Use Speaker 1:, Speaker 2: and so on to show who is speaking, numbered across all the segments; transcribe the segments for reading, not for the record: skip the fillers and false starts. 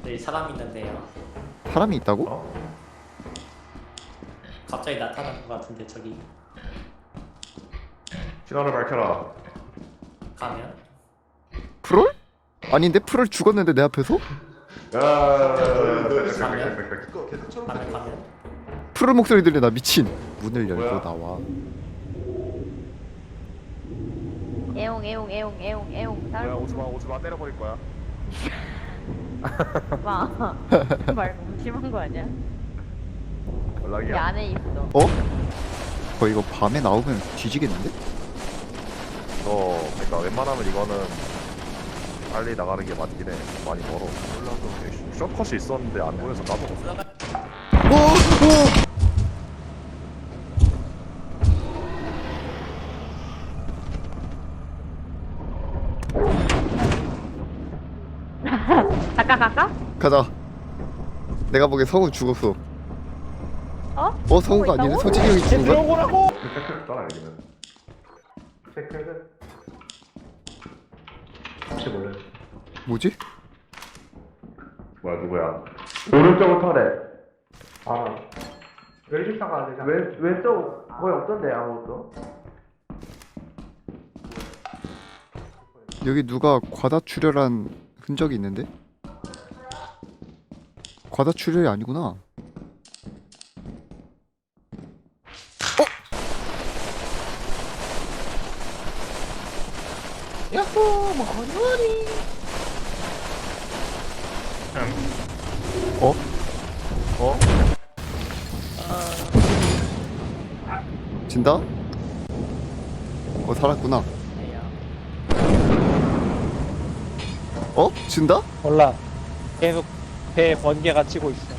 Speaker 1: 여기 사람 있는데요.
Speaker 2: 사람이 있다고?
Speaker 3: 어?
Speaker 1: 갑자기 나타난 것 같은데 저기
Speaker 3: 신호를 밝혀라.
Speaker 1: 가면
Speaker 2: 프롤? 아닌데 프롤 죽었는데 내 앞에서?
Speaker 3: 야.
Speaker 1: 가면
Speaker 2: 프롤 목소리 들려. 나 미친. 문을 열고
Speaker 3: 뭐야?
Speaker 2: 나와.
Speaker 4: 애용
Speaker 3: 뭐야, 오지마 때려버릴 거야.
Speaker 4: 봐. 말 너무 심한 거 아니야? 이
Speaker 3: 연락이야.
Speaker 4: 안에 있어.
Speaker 2: 어? 이거 밤에 나오면 뒤지겠는데?
Speaker 3: 그러니까 웬만하면 이거는 빨리 나가는 게 맞긴 해. 많이 멀어. 올라서 숏컷이 있었는데 안 보여서 까먹었어.
Speaker 2: 오!
Speaker 4: 갈까?
Speaker 2: 가자. 내가 보기엔 성우 죽었어.
Speaker 4: 어?
Speaker 2: 성우가 아니네.
Speaker 4: 있다고?
Speaker 2: 소진이 형이 죽은 거야?
Speaker 3: 오라고. 따라 여기는. 체크해드. 혹시 몰래?
Speaker 2: 뭐지?
Speaker 3: 뭐야 누구야?
Speaker 5: 오른쪽으로 터래. 왼쪽상 가야 되잖아. 왼쪽 거의 없던데 아무것도.
Speaker 2: 여기 누가 과다출혈한 흔적이 있는데? 과다출혈이 아니구나. 진다? 살았구나. 진다?
Speaker 6: 몰라. 계속 배에 번개가 치고 있어.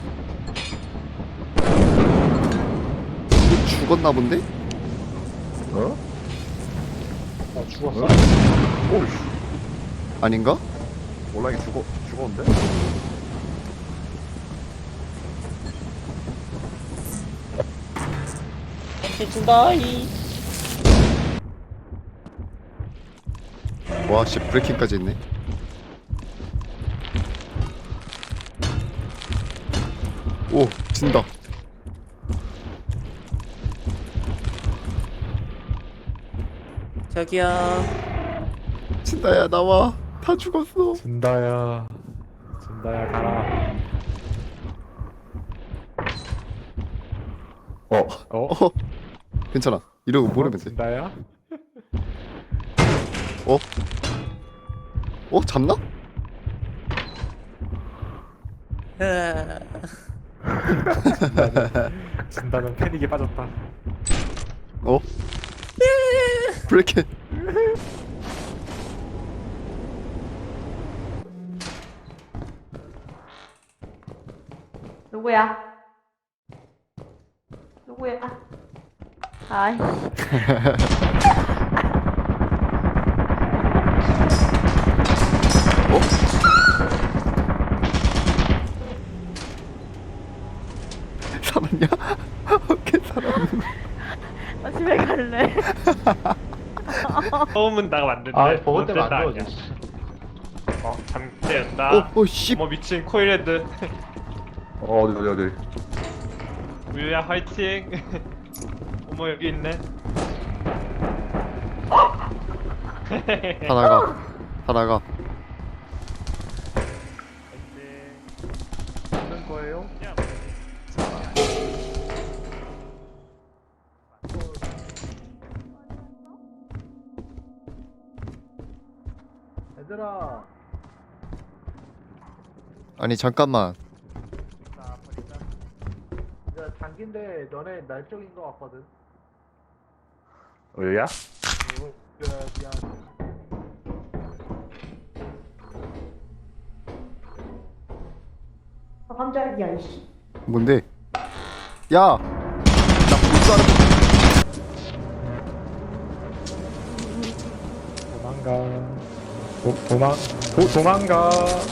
Speaker 2: 이거 죽었나 본데?
Speaker 3: 어?
Speaker 6: 죽었어.
Speaker 3: 오이씨.
Speaker 2: 아닌가?
Speaker 3: 몰락이 죽었는데?
Speaker 6: 해준다이.
Speaker 2: 와, 씨, 브레이킹까지 있네. 오, 진다.
Speaker 1: 저기요.
Speaker 2: 진다야, 나와. 다 죽었어.
Speaker 6: 준다야 가라.
Speaker 2: 괜찮아. 이러고 모르면 돼.
Speaker 6: 준다야?
Speaker 2: 잡나?
Speaker 6: 준다는 패닉에 빠졌다.
Speaker 2: 브레이킹.
Speaker 4: 누구야? 아이.
Speaker 2: 살았냐? 오케이, 살았네.
Speaker 4: 나 집에 갈래.
Speaker 7: 처음은 나가 왔는데
Speaker 5: 버거 때문에 안
Speaker 7: 아니야.
Speaker 5: 들어오지.
Speaker 7: 잠재였다.
Speaker 2: 씨.
Speaker 7: 어머 미친 코일헤드.
Speaker 3: 어디.
Speaker 7: 우유야 화이팅. 어머 여기 있네.
Speaker 2: 하나가.
Speaker 3: 하는 거예요?
Speaker 5: 얘들아.
Speaker 2: 아니, 잠깐만.
Speaker 5: 야, 장기인데 너네 날 쪽인 거 같거든.
Speaker 3: 우유야?
Speaker 5: 미안.
Speaker 4: 깜짝이야 이씨.
Speaker 2: 뭔데? 야! 나 볼줄 알아.
Speaker 6: 도망가.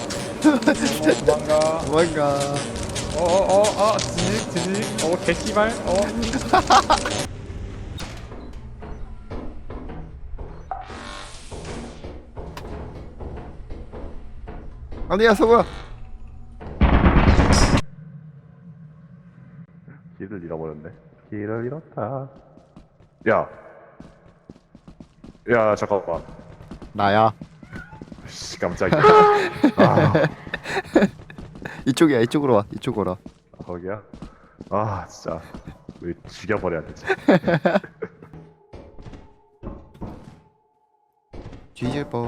Speaker 2: 도망가.
Speaker 6: 지직. 개씨발.
Speaker 2: 아니야, 성우야.
Speaker 3: 길을 잃어버렸네. 길을 잃었다. 야. 야, 잠깐만.
Speaker 2: 나야.
Speaker 3: 씨, 깜짝이야. 아,
Speaker 2: 이쪽이야. 이쪽으로 와. 이쪽으로 와.
Speaker 3: 거기야? 아, 진짜. 왜 죽여버려야 되지?
Speaker 2: 뒤질 뻔.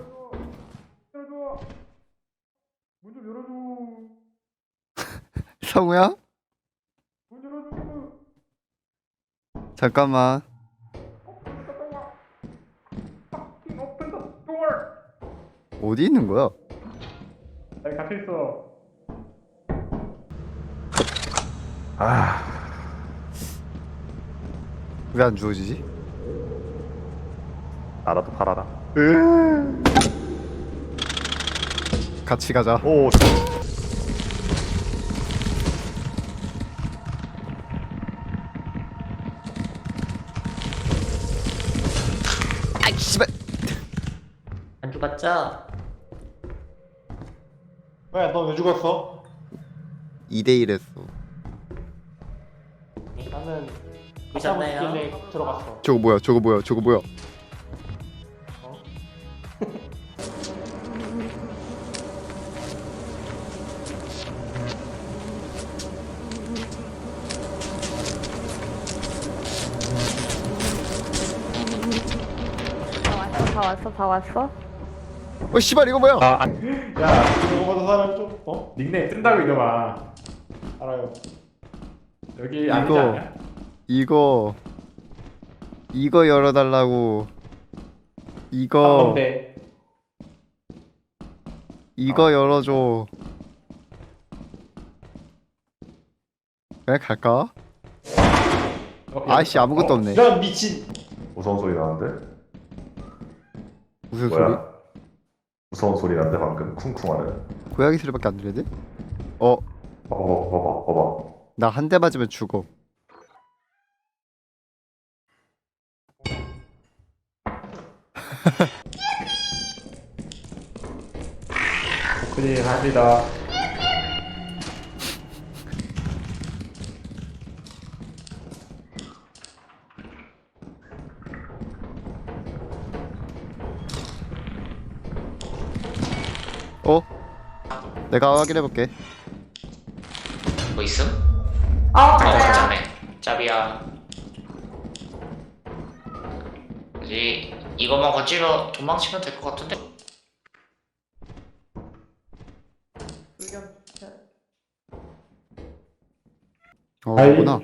Speaker 5: 문좀 열어줘.
Speaker 2: 성우야?
Speaker 5: 문 열어줘.
Speaker 2: 잠깐만.
Speaker 5: 오픈 더 도어.
Speaker 2: 어디 있는 거야?
Speaker 5: 여기 갇혀 있어.
Speaker 3: 아,
Speaker 2: 왜 안 주워지지?
Speaker 3: 나라도 팔아라.
Speaker 2: 같이 가자.
Speaker 3: 오,
Speaker 2: 아이 씨발.
Speaker 1: 안 죽었죠?
Speaker 6: 왜? 너 왜 죽었어?
Speaker 2: 2대1 했어.
Speaker 6: 나는
Speaker 1: 보셨나요?
Speaker 6: 길에 들어갔어.
Speaker 2: 저거 뭐야? 저거 뭐야? 저거 뭐야?
Speaker 4: 다 왔어.
Speaker 2: 어 씨발 이거 뭐야?
Speaker 7: 아,
Speaker 5: 야,
Speaker 6: 이거보다 사람 좀
Speaker 5: 닉네임 뜬다고 이놈아.
Speaker 6: 알아요.
Speaker 5: 여기 아니지
Speaker 2: 이거.
Speaker 5: 않냐?
Speaker 2: 이거 열어달라고. 이거
Speaker 6: 뭔데?
Speaker 2: 이거 열어줘. 그냥 갈까? 아이씨 아무것도 없네.
Speaker 6: 이런 미친.
Speaker 3: 무서운 소리 나는데?
Speaker 2: 무슨 소리?
Speaker 3: 뭐야? 무서운 소리 나는데 방금 쿵쿵하는.
Speaker 2: 고양이 소리밖에 안 들리는데? 어,
Speaker 3: 봐봐.
Speaker 2: 나 한 대 맞으면 죽어.
Speaker 5: 오프닝 합니다.
Speaker 2: 어? 내가 확인해볼게.
Speaker 1: 뭐 있음?
Speaker 4: 맞아요.
Speaker 1: 짭네. 짭이야. 이거만 건지러 도망치면 될 것 같은데?
Speaker 5: 아이.
Speaker 2: 그구나.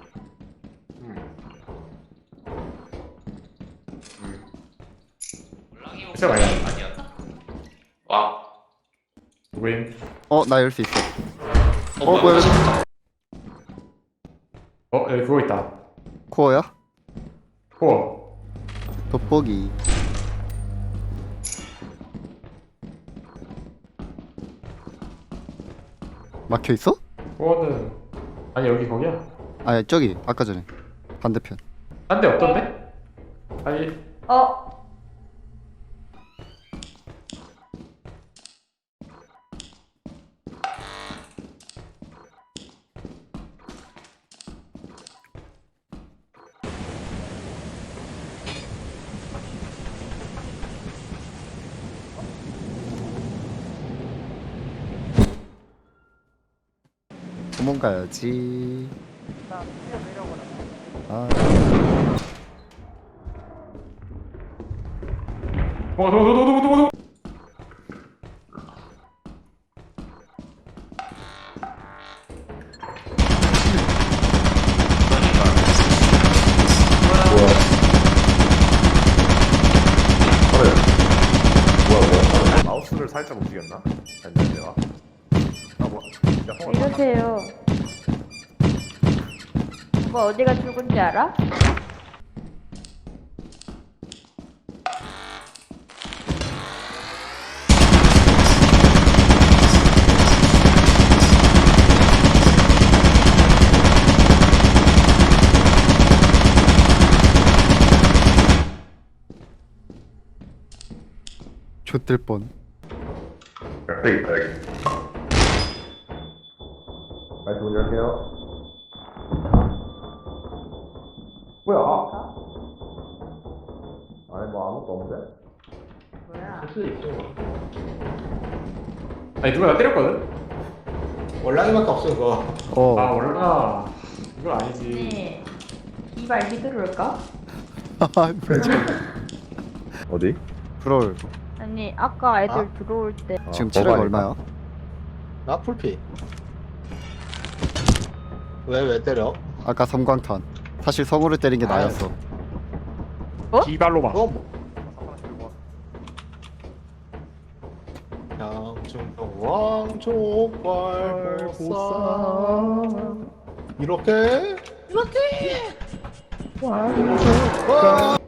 Speaker 5: 진짜 많이
Speaker 1: 아니었나? 와.
Speaker 5: 누구임?
Speaker 2: 나 열 수 있어.
Speaker 1: 뭐야?
Speaker 2: 뭐야?
Speaker 5: 여기 그거 있다.
Speaker 2: 코어야?
Speaker 5: 코어.
Speaker 2: 돋보기. 막혀 있어?
Speaker 5: 코어는 아니 여기 거기야.
Speaker 2: 아니 저기 아까 전에 반대편.
Speaker 5: 딴 데 없던데? 아니
Speaker 2: 도망가야지.
Speaker 4: 나 내려보라.
Speaker 2: 아,
Speaker 5: 도망가.
Speaker 3: 뭐야? 마우스를 살짝 움직였나? 아니 내가. 진짜
Speaker 4: 왜 이러세요? 오빠 어디가 죽은지 알아?
Speaker 2: 좆될 뻔.
Speaker 3: 여기 있다 여기. 말씀 문 열게요.
Speaker 5: 뭐야?
Speaker 3: 아니 뭐 아무것도 없는데?
Speaker 4: 뭐야?
Speaker 8: 할 수도 있어. 아니 누가 나 때렸거든? 월랑이밖에 없어 그거.
Speaker 2: 어.
Speaker 8: 아 월라. 이거 아니지.
Speaker 4: 네. 이발 휘두를까?
Speaker 3: 어디?
Speaker 2: 프롤
Speaker 4: 아니 아까 애들
Speaker 8: 아?
Speaker 4: 들어올 때
Speaker 2: 지금
Speaker 3: 아,
Speaker 2: 체력
Speaker 3: 버거
Speaker 2: 얼마야?
Speaker 8: 나 풀피. 왜 때려?
Speaker 2: 아까 섬광탄. 사실 성우를 때린 게
Speaker 8: 아,
Speaker 2: 나였어.
Speaker 6: 기발로만.
Speaker 8: 그거 뭐? 양충동 왕족발 보쌈 이렇게 왕족발.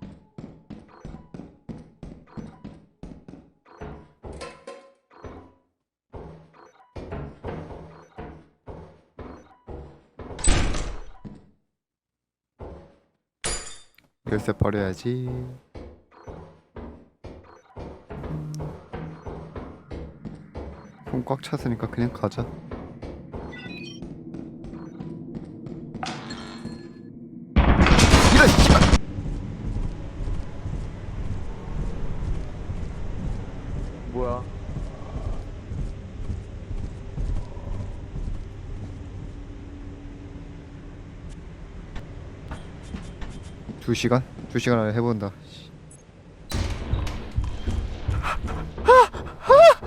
Speaker 2: 열쇠 버려야지. 손 꽉 찼으니까 그냥 가자. 이런 씨발.
Speaker 3: 뭐야?
Speaker 2: 두 시간? 2시간 안에 해본다. 씨.